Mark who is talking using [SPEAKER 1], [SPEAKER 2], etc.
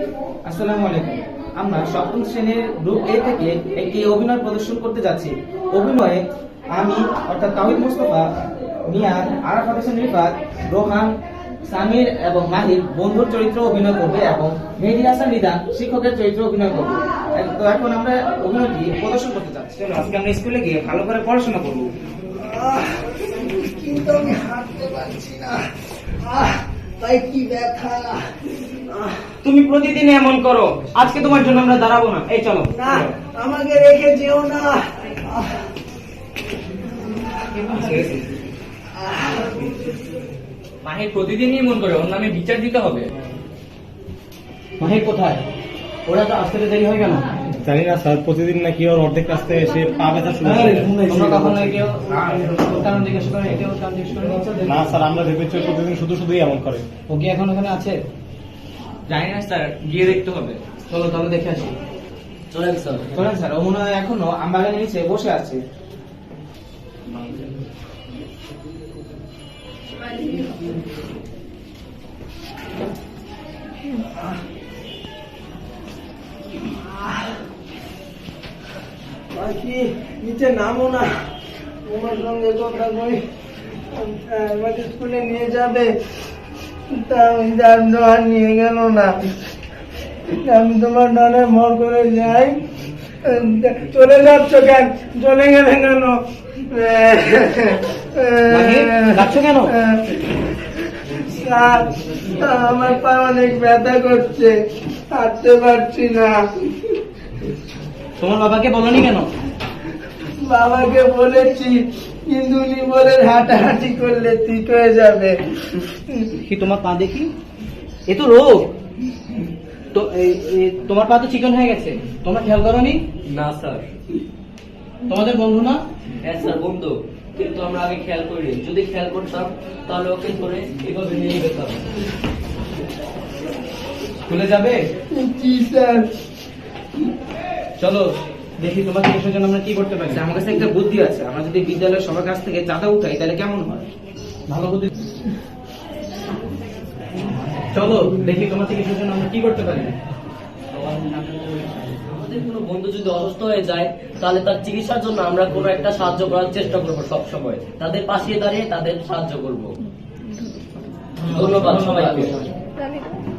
[SPEAKER 1] আসসালামু আলাইকুম। আমরা সপ্তম শ্রেণীর গ্রুপ এ থেকে একটি অভিনয় প্রদর্শন করতে যাচ্ছি। অভিনয়ে আমি অর্থাৎ তাওহিদ মুস্তাফা, মিয়ান, আরাফাত হোসেন রিফাত, রোহান, সামির এবং মাহির বন্ধুর চরিত্র অভিনয় করবে এবং মেহেদী হাসান নিদান শিক্ষকের চরিত্র অভিনয় করবে। তো এখন আমরা অভিনয়টি প্রদর্শন করতে যাচ্ছি। চলো আজকে আমরা স্কুলে গিয়ে ভালো করে পড়াশোনা করবো।
[SPEAKER 2] কিন্তু আমি হাঁটতে পারছি না। তাই কি ব্যথা।
[SPEAKER 1] তুমি প্রতিদিন এমন করো, আজকে তোমার জন্য আমরা দাঁড়াবো না। এই চলো।
[SPEAKER 2] না, আমাকে রেখে যেও না।
[SPEAKER 1] মাহির প্রতিদিনই এমন করে, ওর নামে বিচার দিতে হবে। মাহির কোথায়? ওরা তো আসতে দেরি হয়ে গেল।
[SPEAKER 3] জানি না স্যার, প্রতিদিন নাকি ওর অর্ধেক রাস্তা এসে পা ব্যথা শুরু করে।
[SPEAKER 1] তোমরা কখনো কেউ কারণ জিজ্ঞেস করে, এটাও কারণ জিজ্ঞেস করে?
[SPEAKER 3] না স্যার, আমরা ভেবেছি প্রতিদিন শুধুই এমন করে।
[SPEAKER 1] ও কি এখন ওখানে আছে? জানি না স্যার, গিয়ে দেখতে হবে। চলো তাহলে দেখে আসি। চলেন স্যার। ও মনে হয় এখনো আমবাগানের নিচে বসে আছে।
[SPEAKER 2] বাকি নিচে নামো না, তোমার সঙ্গে কথা কই। আমাকে স্কুলে নিয়ে যাবে, তা আর নিয়ে গেল না। আমি তোমার ডানে ভর করে যাই। চলে যাচ্ছ কেন? চলে গেলে কেন?
[SPEAKER 1] যাচ্ছো কেন?
[SPEAKER 2] স্যার, আমার পা অনেক ব্যথা করছে, হাঁটতে পারছি না।
[SPEAKER 1] তোমার বাবাকে বলনি কেন?
[SPEAKER 2] বাবাকে বলেছি, কিন্তু উনি বলেন হাঁটাহাঁটি করলে ঠিক হয়ে যাবে।
[SPEAKER 1] কি তোমার পা দেখি? এ তো রোগ। তো তোমার পা তো চিকন হয়ে গেছে, তোমরা খেয়াল করোনি?
[SPEAKER 4] না স্যার।
[SPEAKER 1] তোমাদের বন্ধু না?
[SPEAKER 4] হ্যাঁ স্যার, বন্ধু, কিন্তু আমরা আগে খেয়াল করিনি। যদি খেয়াল করতাম তাহলে ওকে ধরে এভাবে নিয়ে যেতাম।
[SPEAKER 1] স্কুলে যাবে?
[SPEAKER 2] জি স্যার।
[SPEAKER 1] চলো দেখি তোমার চিকিৎসার জন্য আমরা কি করতে পারি। আমার কাছে একটা বুদ্ধি আছে, আমরা যদি বিদ্যালয়ের সবার কাছ থেকে চাঁদা উঠাই তাহলে কেমন হয়? ভালো বুদ্ধি। চলো দেখি তোমার চিকিৎসার জন্য আমরা কি করতে পারি।
[SPEAKER 4] আমাদের কোনো বন্ধু যদি অসুস্থ হয়ে যায় তাহলে তার চিকিৎসার জন্য আমরা কোনো একটা সাহায্য করার চেষ্টা করবো। সব সময় তাদের পাশে দাঁড়িয়ে তাদের সাহায্য করব। ধন্যবাদ সবাইকে।